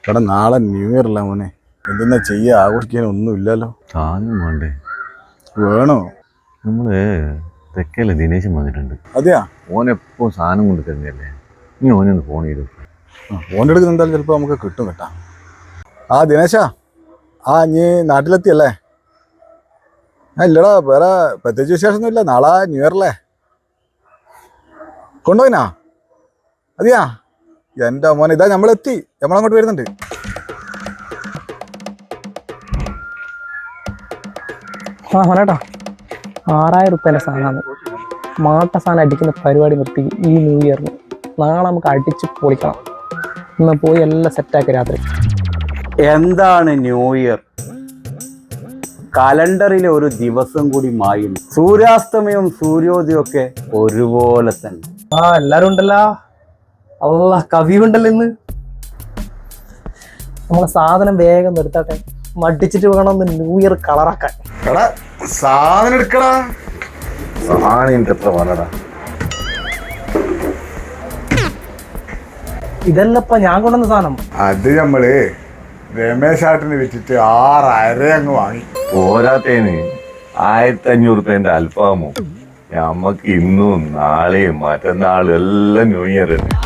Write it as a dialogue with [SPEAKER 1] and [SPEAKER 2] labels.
[SPEAKER 1] എടാ നാളെ new year അല്ല മോനെ, എന്തെന്നാ ചെയ്യാ? ആഘോഷിക്കാൻ ഒന്നും ഇല്ലല്ലോ.
[SPEAKER 2] സാധനം വേണ്ടേ?
[SPEAKER 1] വേണോ?
[SPEAKER 2] നമ്മള് തെക്കല്ലേ ദിനേശൻ വന്നിട്ടുണ്ട്.
[SPEAKER 1] അതെയാ?
[SPEAKER 2] ഓനെപ്പോ സാധനം കൊണ്ട് തരുന്നല്ലേ, നീ ഓനൊന്ന് ഫോൺ ചെയ്തു.
[SPEAKER 1] ഫോൺ എടുക്കുന്ന എന്തായാലും ചിലപ്പോൾ നമുക്ക് കിട്ടും കേട്ടാ. ആ ദിനേശാ, നീ നാട്ടിലെത്തിയല്ലേ? ഇല്ലടാ, വേറെ പ്രത്യേകിച്ച് വിശേഷമൊന്നും ഇല്ല. നാളെ ന്യൂ ഇയർ അല്ലേ? കൊണ്ടുപോയിനാ? അതെയാ? എൻ്റെ മോനെ, ഇതാ നമ്മളെത്തി, നമ്മളങ്ങോട്ട് വരുന്നുണ്ട്.
[SPEAKER 3] മോനേട്ടാ, 6000 റുപ്യേൻ്റെ സാധനമാണ്. മാട്ട സാധനം അടിക്കുന്ന പരിപാടി നിർത്തി ഈ ന്യൂ ഇയറിന്. നാളെ നമുക്ക് അടിച്ച് പൊളിക്കണം. ഇന്ന് പോയി എല്ലാം സെറ്റാക്കി രാത്രി.
[SPEAKER 4] എന്താണ് ന്യൂ ഇയർ? കലണ്ടറിലെ ഒരു ദിവസം കൂടി മായുന്നു. സൂര്യാസ്തമയവും സൂര്യോദയവും ഒക്കെ ഒരുപോലെ തന്നെ.
[SPEAKER 3] എല്ലാരും ഉണ്ടല്ലോ. അല്ല, കവി ഉണ്ടല്ലോ ഇന്ന്. നമ്മളെ സാധനം വേഗം നിർത്താട്ടെ, മടിച്ചിട്ട് വേണം ഒന്ന് ന്യൂ ഇയർ കളറാക്കാൻ.
[SPEAKER 1] സാധനം എടുക്കടാ.
[SPEAKER 2] സാധനം എത്ര വന്നടാ?
[SPEAKER 3] ഇതല്ലപ്പ ഞാൻ കൊണ്ടുവന്ന സാധനം.
[SPEAKER 1] അത് നമ്മള് രമേശാട്ടിന് വിറ്റിട്ട് 6000 അങ്ങ് വാങ്ങി.
[SPEAKER 2] പോരാത്തേന് 1500 റുപ്യന്റെ അൽഫാമോ. നമ്മക്ക് ഇന്നും നാളെയും മറ്റന്നാളും എല്ലാം ന്യൂ ഇയർ തന്നെ.